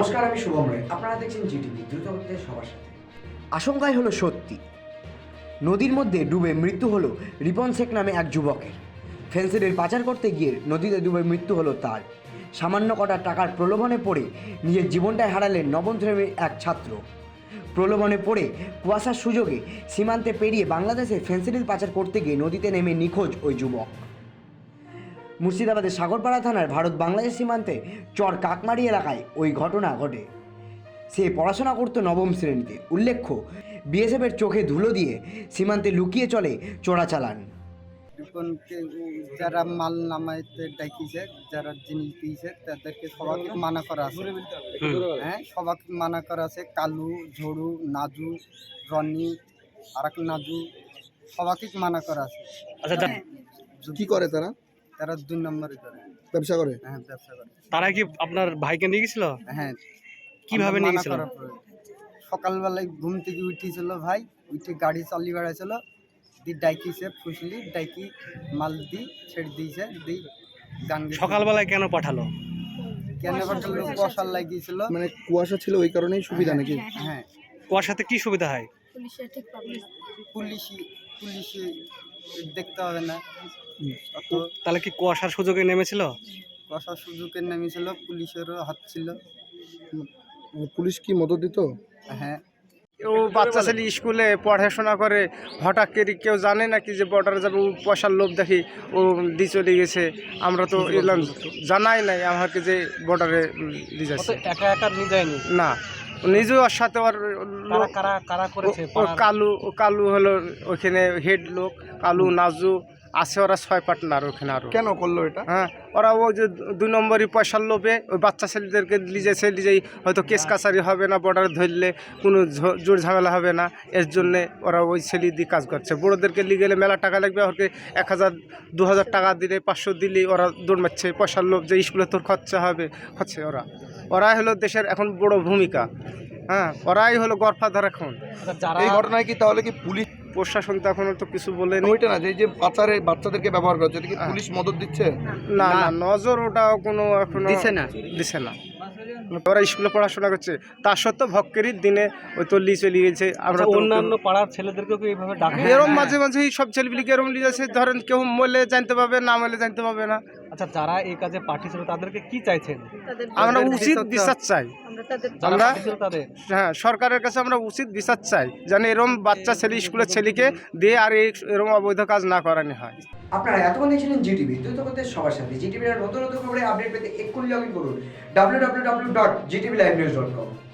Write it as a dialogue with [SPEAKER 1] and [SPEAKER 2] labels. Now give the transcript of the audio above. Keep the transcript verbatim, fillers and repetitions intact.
[SPEAKER 1] নমস্কার, আমি শুভম রায়। আপনারা দেখছেন জিটিভি, দ্রুত হচ্ছে সবার সাথে। আশঙ্কাই হলো সত্যি, নদীর মধ্যে ডুবে মৃত্যু হলো রিপন শেখ নামে এক যুবকের। ফেন্সিডিল পাচার করতে গিয়ে নদীতে ডুবে মৃত্যু হলো তার। সামান্য কটা টাকার প্রলোভনে পড়ে নিজের জীবনটাই হারালেন নবম শ্রেণীর এক ছাত্র। প্রলোভনে পড়ে কুয়াশার সুযোগে সীমান্তে পেরিয়ে বাংলাদেশে ফেন্সিডিল পাচার করতে গিয়ে নদীতে নেমে নিখোঁজ ওই যুবক। মুর্শিদাবাদের সাগরপাড়া থানার ভারত বাংলাদেশ সীমান্তে চর কাকমারি এলাকায় ওই ঘটনা ঘটে। সে পড়াশোনা করতো নবম শ্রেণীতে। উল্লেখ্য, বিএসএফের চোখে ধুলো দিয়ে সীমান্তে লুকিয়ে চলে চোরাচালান।
[SPEAKER 2] রিপনকে যারা মাল নামাইতে ডাকিছে, যারা জিনিস দিয়েছে তাদেরকে সবাইকে মানা করা আছে। হ্যাঁ, সবাইকে মানা করা আছে। কালু, ঝড়ু, নাজু, রনি, আর এক নাজু, সবাইকে মানা করা আছে।
[SPEAKER 3] আচ্ছা,
[SPEAKER 4] কি করে তারা?
[SPEAKER 2] তারা দুই নম্বরে করে
[SPEAKER 4] ব্যবসা করে।
[SPEAKER 2] হ্যাঁ, ব্যবসা করে।
[SPEAKER 3] তারা কি আপনার ভাইকে নিয়ে গেছিল?
[SPEAKER 2] হ্যাঁ।
[SPEAKER 3] কিভাবে নিয়ে গেছিল?
[SPEAKER 2] সকালবেলায় ঘুম থেকে উঠেছিল ভাই, উঠে গাড়ি চালিয়ে বেড়াইছিল, দি ডাইকিছে ফুসলি ডাইকি মাল দি ছেড়ে দিয়েছে। দি গাঙ্গে
[SPEAKER 3] সকালবেলায় কেন পাঠালো?
[SPEAKER 2] কেন পাঠালো? বসার লাগিয়েছিল।
[SPEAKER 4] মানে কুয়াশা ছিল ওই কারণেই সুবিধা নাকি?
[SPEAKER 2] হ্যাঁ,
[SPEAKER 3] কুয়াশাতে কি সুবিধা হয়?
[SPEAKER 2] পুলিশি পুলিশি দেখতে হবে না অত।
[SPEAKER 3] তাহলে কি কুয়াশার সুযোগে নেমেছিল?
[SPEAKER 2] বসার সুযোগে নেমেছিল, পুলিশেরও হাত ছিল।
[SPEAKER 4] মানে পুলিশ কি মদত দিত?
[SPEAKER 2] হ্যাঁ।
[SPEAKER 5] ও বাচ্চা ছেলে স্কুলে পড়াশোনা করে, হঠাৎ করে কেউ জানে নাকি যে বর্ডারে যাবে, ও পয়সার লোভ দেখি ও দিয়ে চলে গেছে। আমরা তো এলাম জানাই নাই আমাকে যে বর্ডারে দিয়ে যাচ্ছে।
[SPEAKER 3] একা একা নিয়ে যায়নি
[SPEAKER 5] না, নিজেও ওর সাথে ওর লোক
[SPEAKER 3] কারা কারা করেছে?
[SPEAKER 5] ও কালু ও কালু হলো ওখানে হেড লোক, কালু, নাজু আছে, ওরা ছয় পার্টনার ওখানে। আরো
[SPEAKER 4] কেন করলো এটা?
[SPEAKER 5] হ্যাঁ, ওরা ওই যে দুই নম্বরই পয়সার লোভে ওই বাচ্চা ছেলেদেরকে লিজেছে, লিজেই হয়তো কেস কাছারি হবে না, বর্ডারে ধরলে কোনো জোর ঝামেলা হবে না, এর জন্যে ওরা ওই ছেলে দিয়ে কাজ করছে। বড়োদেরকে লিয়ে গেলে মেলা টাকা লাগবে, ওকে এক হাজার দু হাজার টাকা দিলে, পাঁচশো দিলেই ওরা দৌড় মারছে। পয়সার লোভ যে স্কুলে তোর খরচা হবে, হচ্ছে ওরা ওরাই হলো দেশের এখন বড় ভূমিকা। হ্যাঁ, ওরাই হলো গড়ফাদার এখন।
[SPEAKER 4] এই ঘটনায় কি তাহলে কি পুলিশ
[SPEAKER 5] প্রশাসন তো এখনো তো কিছু বলেনি।
[SPEAKER 4] ওইটা না, যে এই যে পাচারে বাচ্চাদেরকে ব্যবহার করছে, এটা কি পুলিশ মদত দিচ্ছে?
[SPEAKER 5] না না, নজর ওটা কোনো এখনো
[SPEAKER 2] দিছে না
[SPEAKER 5] দিছে না। ওরা স্কুলে পড়াশোনা করছে, তার সত্ত্বেও ভক্কেরই দিনে ওই তো লি চলে গেছে। আমরা তো
[SPEAKER 3] অন্যান্য পাড়ার ছেলেদেরকেও কি এইভাবে ডাকে?
[SPEAKER 5] এরম মাঝে মাঝে সব ছেলেপিলিকে এরম লিয়ে যাচ্ছে, ধরেন কেউ মরলে জানতে পাবে, না মরলে জানতে পাবে না।
[SPEAKER 3] আচ্ছা, যারা এই কাজে পাঠিয়েছিল তাদেরকে কি চাইছেন?
[SPEAKER 5] আমরা উচিত বিচার চাই। আমরা
[SPEAKER 3] তাদের
[SPEAKER 5] হ্যাঁ, সরকারের কাছে আমরা উচিত বিচার চাই, যেন এরম বাচ্চা ছেলে স্কুলের ছেলেকে দিয়ে আর এই এরম অবৈধ কাজ না করানো হয়।
[SPEAKER 1] আপনারা এতক্ষণ দেখছিলেন জিটিভি, দ্রুত হচ্ছে সবার সাথে। জিটিভির নতুন নতুন খবরে আপডেট পেতে এক্ষুনি লগ ইন করুন W W W dot GTV live news dot কম।